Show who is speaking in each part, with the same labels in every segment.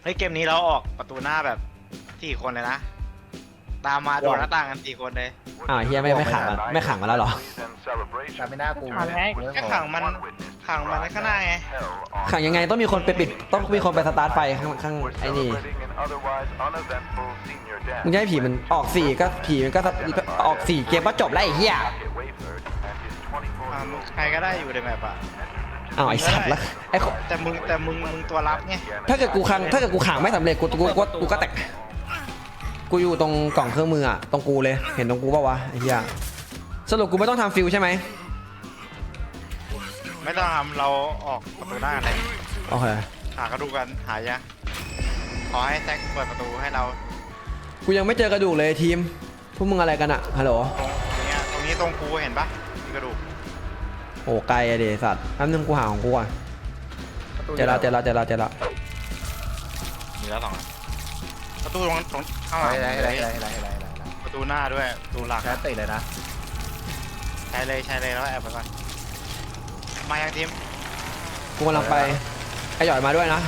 Speaker 1: ฮ้ยเกมนี้เราออกประตูหน้าแบบ4 คนเลยนะตามมาโดนหน้าต่างกัน4 คนเลย
Speaker 2: เฮียไม่ขังมันไม่ขังมาแล้วเหรอ
Speaker 3: แต่ไม่น่ากู
Speaker 1: ก็ขังมันข้างหน้าไง
Speaker 2: ขังยังไงต้องมีคนไปปิดต้องมีคนไปสตาร์ทไฟข้างไอ้นี่มึงจะให้ผีมันออก4ก็ผีมันก็ออก4เกมก็จบแล้วไอ้เหี้ย
Speaker 1: ใครก็ได้อยู่ในแมปอ่ะ
Speaker 2: ไอ้สัตว์แล้วไอ้
Speaker 1: แต่มึงตัวรับไง
Speaker 2: ถ้าเกิดกูขังไม่สำเร็จกูก็แตกกูอยู่ตรงกล่องเครื่องมืออะตรงกูเลยเห็นตรงกูป่าวะไอ้เหี้ยสรุปกูไม่ต้องทำฟิลใช่ไหม
Speaker 1: ไม่ต้องทำเราออกประตูหน้ากันเลย
Speaker 2: โอเค
Speaker 1: หากระดูกกันหายะขอให้แซกเปิดประตูให้เรา
Speaker 2: กูยังไม่เจอกระดูกเลยทีมพวกมึงอะไรกันอะฮัลโหล
Speaker 1: ตรงนี้ตรงกูเห็นปะมีกระดูก
Speaker 2: โอ้ไกลอะเดสัตว์แป๊บนึงกูหาของกูก่อนเจอแล้ว
Speaker 1: มีแล้ว2 อันประตูตรงข้างหลัง
Speaker 3: ไร
Speaker 1: ประตูหน้าด้วยประตูหลัก
Speaker 3: แค่ติดเลยนะ
Speaker 1: ใช้เลยแล้วแอบไปก่อนมายังทีม
Speaker 2: กูกำลังไปไอ้หยอยมาด้วยนะ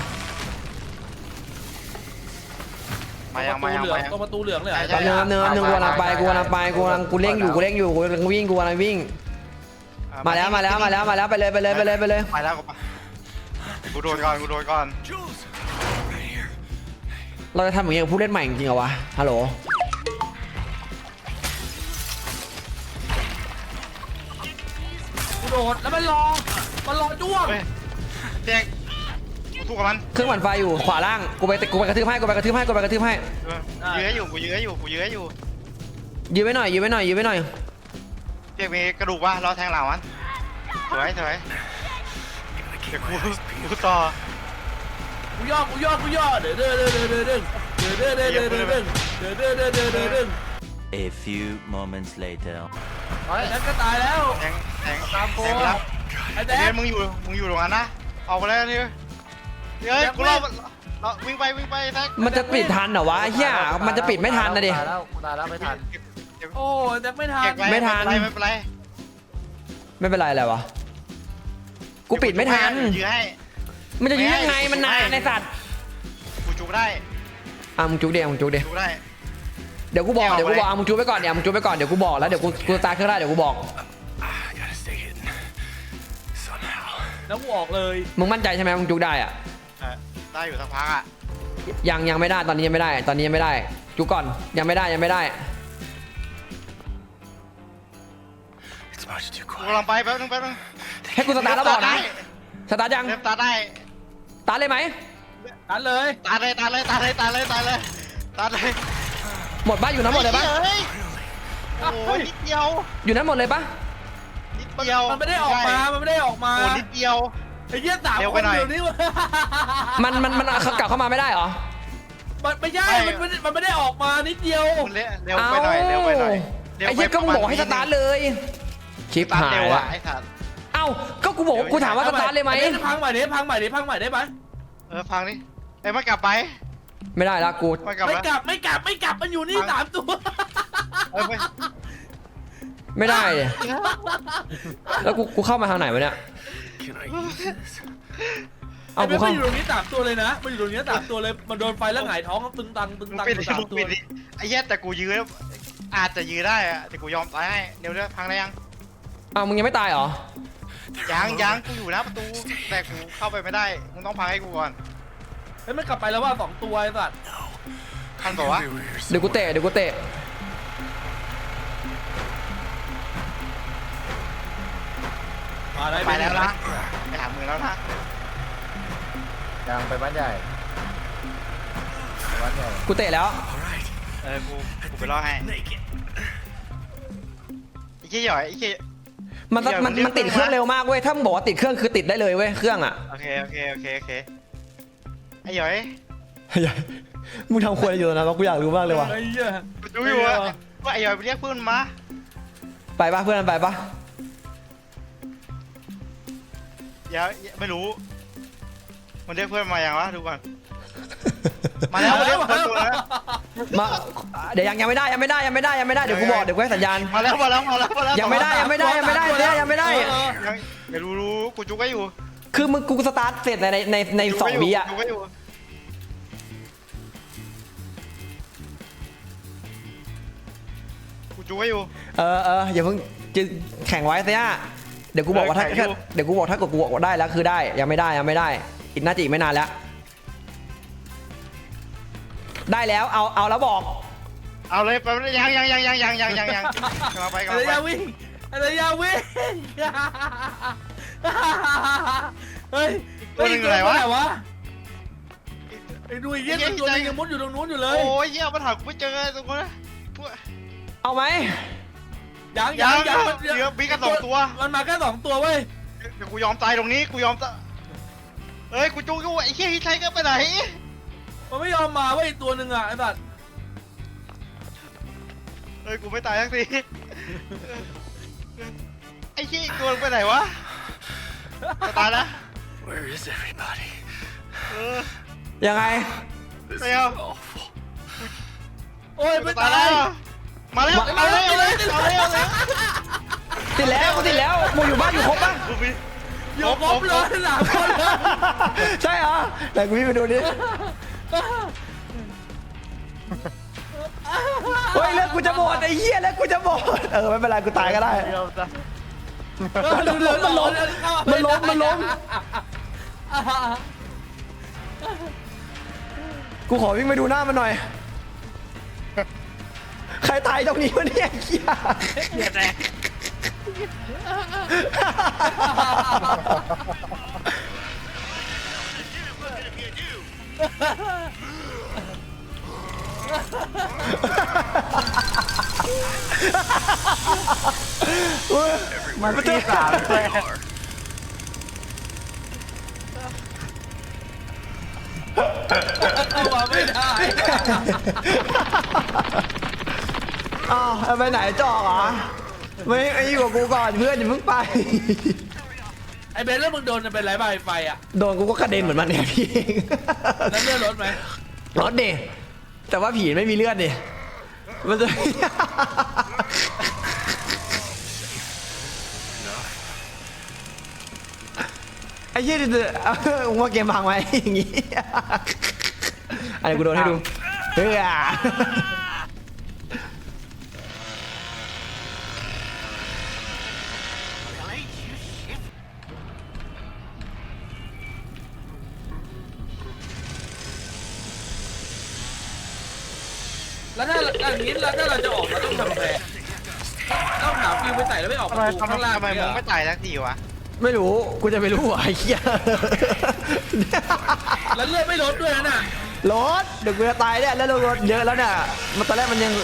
Speaker 1: มายัง
Speaker 4: ตรงประตูเหลืองเลย
Speaker 2: แป๊บนึงกูกำลังไปกูเร่งอยู่กูกำลังวิ่งมาแล้วไปเลย
Speaker 1: ไปแล้วกูโดนก่อน
Speaker 2: เราจะทำอย่างเงี้ยกับผู้เล่นใหม่จริงๆเหรอวะฮัลโหล
Speaker 4: กูโดดแล้วมันรอจ้วง
Speaker 1: เฮ้ยเจ๊กกูสู้กับมัน
Speaker 2: เครื่องหมั่นไฟอยู่ขวาล่างกูไปกระทืบให้กูยื้อให้อยู่ ยื้อไว้หน่อย
Speaker 1: เจ๊กมีกระดูกวะรอแทงหลังมันสวยเดี๋ยวกูต่อ
Speaker 4: กูย่อเด้อ
Speaker 5: A few moments later.
Speaker 4: แล้วก็ตายแล้ว
Speaker 1: แทงรับ
Speaker 4: ไอ้แด
Speaker 1: เดี๋ย
Speaker 4: ง
Speaker 1: วมึงอยู่ตรงนั้นนะออกไปแล้วนี่เฮ้ยกูรอวิ่งไปแท็ก
Speaker 2: มันจะปิดทันเหรอวะเฮียมันจะปิดไม่ทันนะดิ
Speaker 3: ตายแล้วไม่ทัน
Speaker 4: โอ้แดงไม่ทัน
Speaker 2: ไม่ทัน
Speaker 1: ไม่เป็นไร
Speaker 2: ไม่เป็นไรอะไรวะกูปิดไม่ทัน
Speaker 1: ยื้อให้
Speaker 2: มันจะยื้อยังไงมันนานในสัตว์
Speaker 1: กูจุกได้
Speaker 2: มึงจุกเดียว
Speaker 1: จุกได้
Speaker 2: เดี๋ยวกูบอกมึงจุกไปก่อนเดี๋ยวกูบอกแล้วเดี๋ยวกูสตาร์ทเครื่องได้เดี๋ยวกูบอก
Speaker 4: แล้วกูออกเลย
Speaker 2: มึงมั่นใจใช่ไหมมึงจุกได้อะ
Speaker 1: ได้อยู่สักพักอ่ะ
Speaker 2: ยังไม่ได้ตอนนี้ยังไม่ได้จุกก่อนยังไม่ได้
Speaker 1: กูกำลังไปแป๊บนึง
Speaker 2: ให้กูสตาร์ทแล้วบอกนะสตาร์ทยัง
Speaker 1: เริ่มตาได้
Speaker 2: สตาร์ทเลยไหม
Speaker 4: ตันเลย
Speaker 1: ตาเลย
Speaker 2: หมดปะอยู่นั้นหมดเลยปะ
Speaker 1: โอ้ยนิดเดียว
Speaker 2: อยู่นั้นหมดเลยปะ
Speaker 4: มันไม่ได้ออกมา
Speaker 1: โอ้นิดเดียว
Speaker 4: ไอ้เหี้ย3 คนเดี๋ยวนี้
Speaker 2: มันเขากลับเข้ามาไม่ได้เหรอ
Speaker 4: ไม่ใช่มันไม่ได้ออกมานิดเดียว
Speaker 1: เร็วไปหน่อย
Speaker 2: ไอ้เหี้ยก็มึงบอกให้สตาร์ทเลยชิปหายละ
Speaker 1: ไอ้สัตว์
Speaker 2: ก็กูบอกกูถามว่าสตาร์ทเลยไหม
Speaker 4: พังใหม่ได้ไหม
Speaker 1: ฟังดิไอ้มันกลับไป
Speaker 2: ไม่ได้ละกู
Speaker 1: มันกลับ
Speaker 4: ไม่
Speaker 1: แล้ว
Speaker 4: กลับมันอยู่นี่3 ตัว
Speaker 2: ไม่ได้เลยแล้วกูเข้ามาทางไหนวะเนี่ย
Speaker 4: ไอ้
Speaker 2: กู
Speaker 4: ไม่
Speaker 2: เข้า
Speaker 4: อยู่ตรงนี้3 ตัวเลยนะมันอยู่ตรงนี้3 ตัวเลยมันโดนไฟแล้วหงายท้องตึงตัง
Speaker 1: มึงปิดดิไอ้แย่แต่กูยื้ออาจจะยื้อได้อะแต่กูยอมตายให้เดี๋ยวพังได้ยัง
Speaker 2: มึงยังไม่ตายเหรอ
Speaker 1: ยังกูอยู่หน้าประตูแต่กูเข้าไปไม่ได้มึงต้องพังให้กูก่อน
Speaker 4: เฮ้ยมันกลับไปแล้วว่า2 ตัวไอ้สัตว์
Speaker 1: ทันบอกว่า
Speaker 2: เดี๋ยวกูเตะ
Speaker 1: ไปแล้วนะไปหามือแล้วนะ
Speaker 3: ยังไปบ้านใหญ่บ้านใหญ่
Speaker 2: กูเตะแล้ว
Speaker 1: กูไปรอให้ไอ้เหี้ยหย่อยไอ้เหี้ย
Speaker 2: มันติดเครื่องเร็วมากเว้ยถ้ามึงบอกว่าติดเครื่องคือติดได้เลยเว้ยเครื่องอ่ะ
Speaker 1: โอเคไอ้หย่อย
Speaker 2: มึงทำครัวอยู่นะกูอยากรู้มากเลยว่ะ
Speaker 4: ไอ้เหี้ย
Speaker 1: ดูอยู่ว่าไอ้หย่อยไปเรียกเพื่อนมา
Speaker 2: ไปปะเพื่อนไปปะ
Speaker 1: อย่าไม่รู้มันเรียกเพื่อนมาอย่างวะดูก่อนมาแล้วเรียกเพื่อนตัวแล้ว
Speaker 2: มาเดี๋ยวยังไม่ได้เดี๋ยวกูบอกเดี๋ยวกูให้สัญญาณ
Speaker 1: มาแล้ว
Speaker 2: ยังไม่ได้ยังไม่ได้
Speaker 1: ไม่รู้กูจุกไว้อยู่
Speaker 2: คือมึงกูสตาร์ทเสร็จใน2 วิอ่ะ
Speaker 1: จูไว้อยู่
Speaker 2: อย่าเพิ่งจะแข่งไว้เสียเดี๋ยวกูบอกว่าถ้า
Speaker 1: แข่งอยู่
Speaker 2: เดี๋ยวกูบอกถ้ากดกูบอกว่าได้แล้วคือได้ยังไม่ได้อีกน่าจะอีกไม่นานแล้ว ได้แล้วเอาแล้วบอก
Speaker 1: เอาเลยไปยังกำลังไป
Speaker 4: อะไรยาวิ่งอะไรยาวิ่งเฮ้ย
Speaker 1: ตัวหนึ่งอยู่ไหนวะ
Speaker 4: ไอ้ดูอีกเยี่ยตัวนึงยังมุดอยู่ตรงนู้นอยู่เลย
Speaker 1: โอ้ยเหี้ยปัญหากูไม่เจอตรงนั้นนะพวก
Speaker 2: เอาไหม
Speaker 4: ยัง
Speaker 1: เดี๋ยวมีกัน2 ตัว
Speaker 4: มันมาแค่2 ตัวเว้ย
Speaker 1: เดี๋ยวกูยอมตายตรงนี้กูยอมตายเฮ้ยกูจู้ไอ้เหี้ยที่ใช้ก็ไปไหน
Speaker 4: มันไม่ยอมมาเว้ยอีกตัวหนึ่งอ่ะไอ้สัตว์
Speaker 1: เฮ้ยกูไม่ตายสักทีไอ้เหี้ยอีกตัวไปไหนวะจะตายแล้ว
Speaker 5: Where is everybody?
Speaker 2: ยังไง
Speaker 1: ไม่เอา
Speaker 4: โอ้ยไม่
Speaker 1: ตา
Speaker 4: ตาย ย
Speaker 1: แล้วมาแล้วเอาเลย
Speaker 2: ติดแล้วกูอยู่บ้านอยู่ครบปะ
Speaker 4: อยู่ครบเลย3 คนเลย
Speaker 2: ใช่เหรอแต่กูวิ่งไปดูดิเฮ้ยเลือดกูจะหมดไอ้เหี้ยเลือดกูจะหมดไม่เป็นไรกูตายก็ได้ มันล้มกูขอวิ่งไปดูหน้ามันหน่อย ใครตายตรงนี้วะเนี่ยเหี้ย
Speaker 1: มันที่3เลย
Speaker 4: เอามาไม่ได้
Speaker 2: อ้าวเอาไปไหนจอกเหรอไม่ไอ้อยู่กับกูก่อนเพื่อนอย่าเพิ่งไป
Speaker 4: ไอ้เบนแล้วมึงโดนจะเป็นไรบ้างไฟอ่ะ
Speaker 2: โดนกูก็กระเด็นเหมือนมันเนี่ยพี่เอง
Speaker 4: แล้วเลื่อนรถไหม
Speaker 2: รถดิแต่ว่าผีไม่มีเลือดดิมันจะ ไอ้เหี้ยดิว่าเกมพังไหมอย่างงี้อะไรกูโดนให้ดูเฮ้ย
Speaker 4: แล้วถ้าอย่างนี้แล้วถ้าเราจะออกเราต้องทำไงต้องหาฟิวไปใส่แล้วไม่ออกประตูข้างล่าง
Speaker 1: ทำไมมึงไม่ตายสักทีวะ
Speaker 2: ไม่รู้กูจะไปรู้เหรอไอ้เหี้ย
Speaker 4: แล้วเลือดไม่ลดด้วยนะน่ะ
Speaker 2: รถเดี๋ยวกูจะตายเนี่ยแล้วรถเยอะแล้วเนี่ยมันตอนแรกมันยัง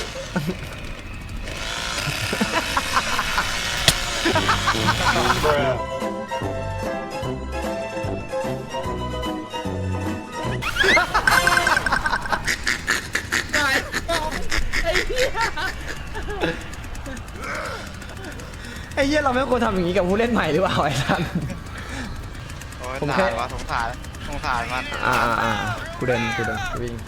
Speaker 4: ตายไอ้เหี้ย
Speaker 2: ไอ้เหี้ยเราไม่ควรทำอย่างนี้กับผู้เล่นใหม่หรือเปล่าไอ้ท่าน
Speaker 1: โอ้ย
Speaker 2: ผมแค่
Speaker 1: ตายวะสงสารมัน
Speaker 2: กูเดินกูวิ่ง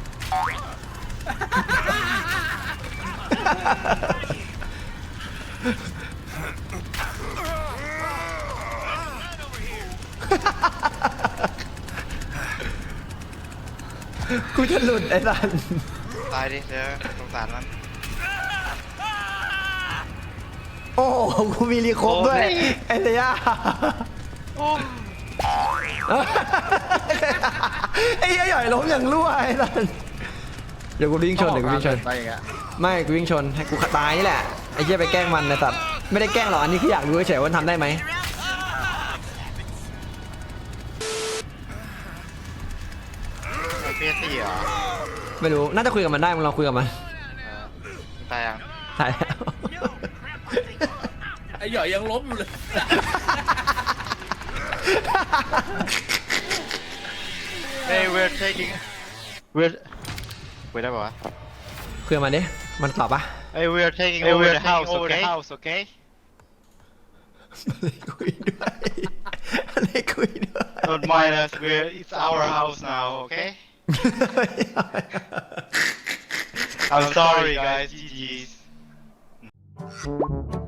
Speaker 2: กูจะหลุดไอ้สัน
Speaker 1: ตายดิเดี๋ยวสงสารมัน
Speaker 2: โอ้โหกูมีรีโคบด้วย
Speaker 1: โอ้ย
Speaker 2: ไอ้เสีย
Speaker 1: โอ้
Speaker 2: ไอ้เหี้ยหย่อยล้มอย่างรั่วไอ้สันเดี๋ยวกูวิ่งชน
Speaker 3: ไปอย่างเงี้ย
Speaker 2: ไม่กูวิ่งชนให้กูตายนี่แหละไอ้เหี้ยไปแกล้งมันนะสัตว์ไม่ได้แกล้งหรอกอันนี้คืออยากรู้เฉยๆว่าทำได้ไหม
Speaker 1: เพียสี่เหรอ
Speaker 2: ไม่รู้น่าจะคุยกับมันได้มึงลองคุยกับมัน
Speaker 1: ตายยัง
Speaker 2: ตายแล้ว
Speaker 4: ไอ้หย่อยยังล้มอยู่เลย
Speaker 1: Hey we're taking we're ได้ป่าวะ
Speaker 2: คุยกับมันดิมันตอบปะ
Speaker 1: Hey we're taking over the house okay
Speaker 2: อะไรคุยด้วยอะไรคุยด้วย
Speaker 1: Don't mind us it's our house now okay I'm sorry guys GG's